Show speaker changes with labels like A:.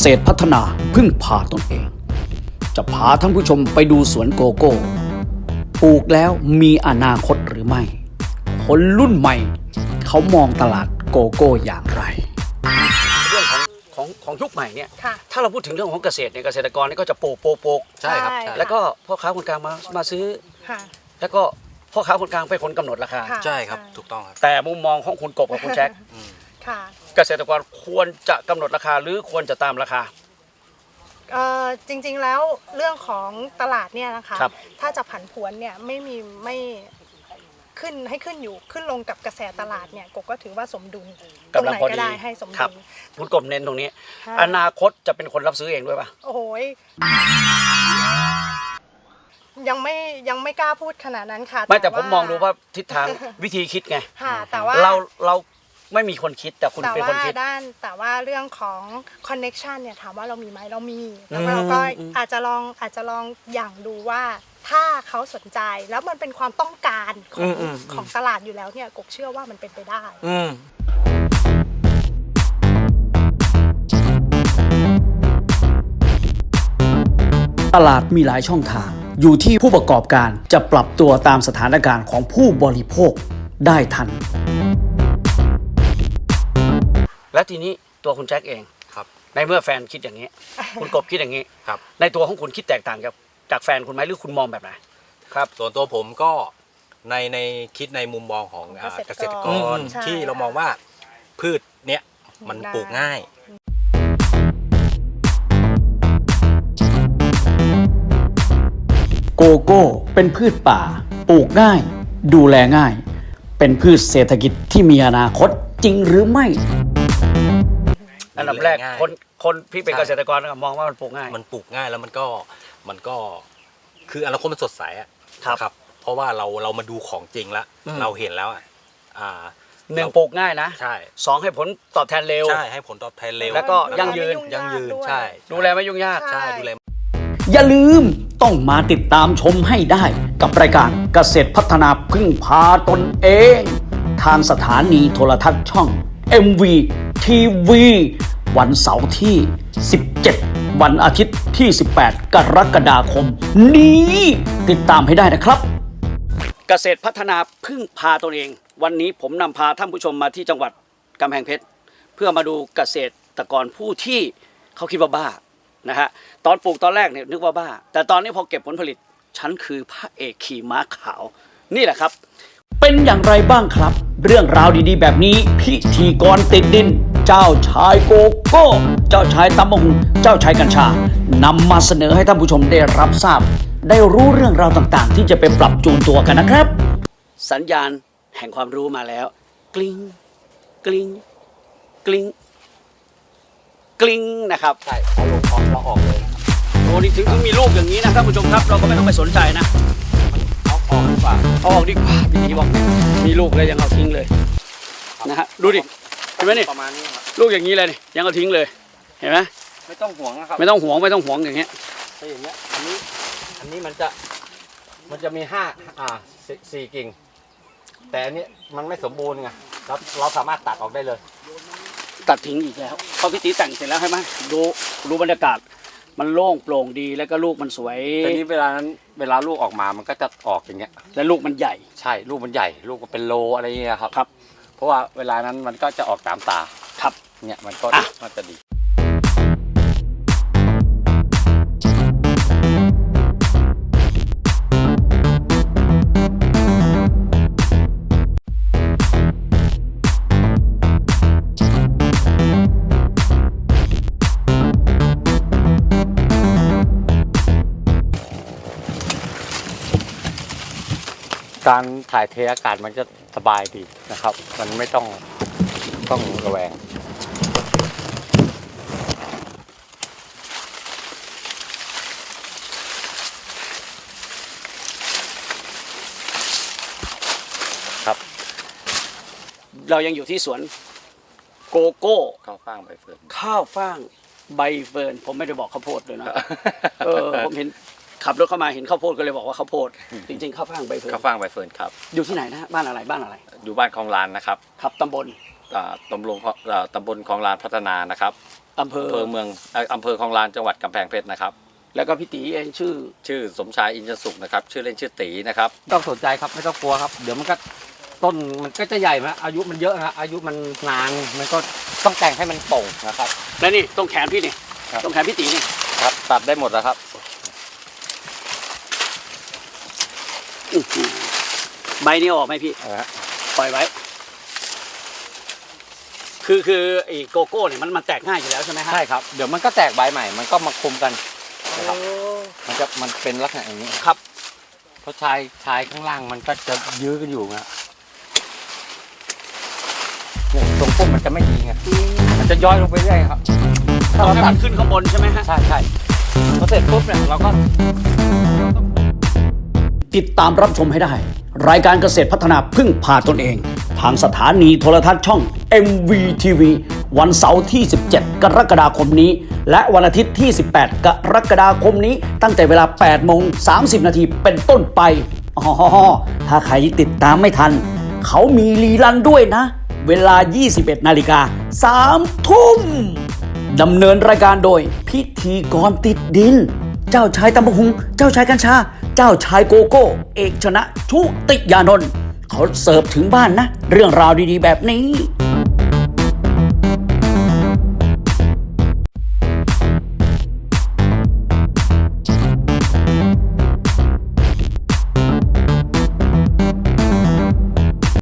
A: ษตรพัฒนาพึ่งพาตนเองจะพาท่านผู้ชมไปดูสวนโกโก้ปลูกแล้วมีอนาคตหรือไม่คนรุ่นใหม่เขามองตลาดโกโก้อย่างไรเรื่องของยุคใหม่เนี่ยถ้าเราพูดถึงเรื่องของเกษตรเนี่ยเกษตรกรเนี่ยก็จะปลูก
B: ใช่ครับ
A: แล้วก็พ่อค้าคนกลางมาซื้อแล้วก็พ่อค้าคนกลางเป็นคนกำหนดราคา
B: ใช่ครับถูกต้องครับ
A: แต่มุมมองของคุณกบกับคุณแจ็คเกษตรกรควรจะกำหนดราคาหรือควรจะตามราคา
C: จริงๆแล้วเรื่องของตลาดเนี่ยนะคะถ้าจะผันผวนเนี่ยไม่ขึ้นให้ขึ้นลงกับกระแสตลาดเนี่ยกบก็ถือว่าสมดุลตรงไหนก็ได้ให้สมดุล
A: คุณกบเน้นตรงนี้อนาคตจะเป็นคนรับซื้อเองด้วยป่ะ
C: โอ้โหยังไม่กล้าพูดขนาดนั้นค่ะ
A: ไม่แต่ผมมองดูว่าทิศทางวิธีคิดไง
C: แต่ว่า
A: เราไม่มีคนคิดแต่คุณเป็นคนคิด
C: แต่ว่าเรื่องของคอนเน็กชันเนี่ยถามว่าเรามีไหมเรามีแล้วเราก็อาจจะลองอย่างดูว่าถ้าเขาสนใจแล้วมันเป็นความต้องการของตลาดอยู่แล้วเนี่ยกบเชื่อว่ามันเป็นไปได้
A: ตลาดมีหลายช่องทางอยู่ที่ผู้ประกอบการจะปรับตัวตามสถานการณ์ของผู้บริโภคได้ทันและทีนี้ตัวคุณแจ็คเอง
B: ครับ
A: ในเมื่อแฟนคิดอย่างนี้ คุณกบคิดอย่างนี้
B: ครับ
A: ในตัวของคุณคิดแตกต่างจากแฟนคุณไหมหรือคุณมองแบบไหนครับ
B: ส่วนตัวผมก็ในคิดในมุมมองของเกษตรกรที่เรามองว่าพืชเนี้ยมันปลูกง่าย
A: โกโก้เป็นพืชป่าปลูกง่ายดูแลง่ายเป็นพืชเศรษฐกิจที่มีอนาคตจริงหรือไม่อันดับแรกคนพี่เป็นเกษตรกรมองว่ามันปลูกง่าย
B: แล้วมันก็คืออนาคตมันสดใสอ่ะครับเพราะว่าเรามาดูของจริงแล้วเราเห็นแล้ว
A: หนึ่งปลูกง่ายนะ
B: ใช่
A: สองให้ผลตอบแทนเร็ว
B: ใช่ให้ผลตอบแทนเร็ว
A: แล้วก็ยั่งยืน
B: ใช่
A: ดูแลไม่ยุ่งยาก
B: ใช่ดูแล
A: อย่าลืมต้องมาติดตามชมให้ได้กับรายการเกษตรพัฒนาพึ่งพาตนเองทางสถานีโทรทัศน์ช่อง MV TV วันเสาร์ที่ 17 วันอาทิตย์ที่ 18 กรกฎาคมนี้ติดตามให้ได้นะครับเกษตรพัฒนาพึ่งพาตนเองวันนี้ผมนำพาท่านผู้ชมมาที่จังหวัดกำแพงเพชรเพื่อมาดูเกษตรกรผู้ที่เขาคิดว่าบ้านะฮะตอนปลูกตอนแรกเนี่ยนึกว่าบ้าแต่ตอนนี้พอเก็บผลผลิตฉันคือพระเอกขี่ม้าขาวนี่แหละครับเป็นอย่างไรบ้างครับเรื่องราวดีๆแบบนี้พิธีกรติดดินเจ้าชายโกโก้เจ้าชายตำมะหุงเจ้าชายกัญชานำมาเสนอให้ท่านผู้ชมได้รับทราบได้รู้เรื่องราวต่างๆที่จะไปปรับจูนตัวกันนะครับสัญญาณแห่งความรู้มาแล้วกลิ้งกลิ้งกลิ้งกลิ้งนะครับ
B: ใช่เอาลงพร้อมเราออกเลย
A: โอ้นี่ถึงมีลูกอย่างนี้นะท่านผู้ชมครับเราก็ไม่ต้องไปสนใจนะ
B: เอาออกดีกว่า
A: พี่ทีบอกมีลูกแล้วยังเอาทิ้งเลยนะฮะดูดิเห็นไหมนี่
B: ประมาณนี้ครับ
A: ลูกอย่างนี้เลยนี่ยังเอาทิ้งเลยเห็นไหม
B: ไม่ต้องห่วงนะครับ
A: ไม่ต้องห่วงอย่างเงี้ย
B: ถ้าอย่างเงี้ยอันนี้มันจะมี4 กิ่งแต่อันนี้มันไม่สมบูรณ์ไงเราสามารถตัดออกได้เลย
A: ตัดทิ้งอีกแล้วพอพี่ตีแต่งเสร็จแล้วใช่ไหมดูบรรยากาศมันโล่งโปร่งดีแล้วก็ลูกมันสวย
B: แต่นี้เวลาลูกออกมามันก็จะออกอย่างเงี้ย
A: แล้วลูกมันใหญ่
B: ใช่ลูกมันใหญ่ลูกมันเป็นโลอะไรเงี้ยครับเพราะว่าเวลานั้นมันก็จะออกตามตา
A: ครับ
B: เนี่ยมันก็จะดีการถ่ายเทอากาศมันจะสบายดีนะครับมันไม่ต้องระแวงครับ
A: เรายังอยู่ที่สวนโกโก้
B: ข้าวฟ่างใบเฟิร์น
A: ผมไม่ได้บอกข้าวโพดเลยนะผมเห็นขับรถเข้ามาเห็นข้าวโพดก็เลยบอกว่าข้าวโพดจริงๆข้าวฟ่างใบเฟิร์น
B: ครับ
A: อยู่ที่ไหนนะบ้านอะไร
B: อยู่บ้านคลองลานนะครับ
A: ครับตำบล
B: คลองลานพัฒนานะครับ
A: อำเภอ
B: เมืองอำเภอคลองลานจังหวัดกำแพงเพชรนะครับ
A: แล้วก็พี่ตีเองชื่อ
B: สมชายอินทรสุขนะครับชื่อเล่นชื่อตีนะครับต้องสนใจครับไม่ต้องกลัวครับเดี๋ยวมันก็ต้นมันก็จะใหญ่มาอายุมันเยอะนะอายุมันนานมันก็ต้องแต่งให้มันโป่งนะครับ
A: และนี่ตรงแขนพี่นี่
B: ครับ
A: ตรงแขนพี่ตีนี่
B: ครับตัดได้หมดแล้วครับ
A: ใบนี้ออกไหมพี่
B: นะฮะ
A: ปล่อยไว้ คือไอ้โกโก้เนี่ยมันแตกง่ายอยู่แล้วใช่ไหมฮะ
B: ใช่ครับเดี๋ยวมันก็แตกใบใหม่มันก็มาคุมกันนะครับมันเป็นลักษณะอย่างนี้
A: ครับ
B: เพราะชายข้างล่างมันก็จะยื้อกันอยู่นะเนี่ยตรงพุ่มมันจะไม่ดีไงมันจะย้อยลงไปเรื่อยครับ
A: ต้องให้มันขึ้นข้างบนใช่ไหมฮะ
B: ใช่พอเสร็จปุ๊บเนี่ยเราก็
A: ติดตามรับชมให้ได้ รายการเกษตรพัฒนาพึ่งพาตนเอง ทางสถานีโทรทัศน์ช่อง MVTV วันเสาร์ที่ 17 กรกฎาคมนี้ และวันอาทิตย์ที่ 18 กรกฎาคมนี้ ตั้งแต่เวลา 8:30 นาทีเป็นต้นไปอ๋อถ้าใครติดตามไม่ทัน เขามีรีลันด้วยนะ เวลา 21 นาฬิกา 3 ทุ่มดำเนินรายการโดยพิธีกรติดดิน เจ้าชายตำบะหุง เจ้าชายกัญชา เจ้าชายโกโก้ เอกชนะชุติยานนท์เขาเสิร์ฟถึงบ้านนะ เรื่องราวดีๆแบบนี้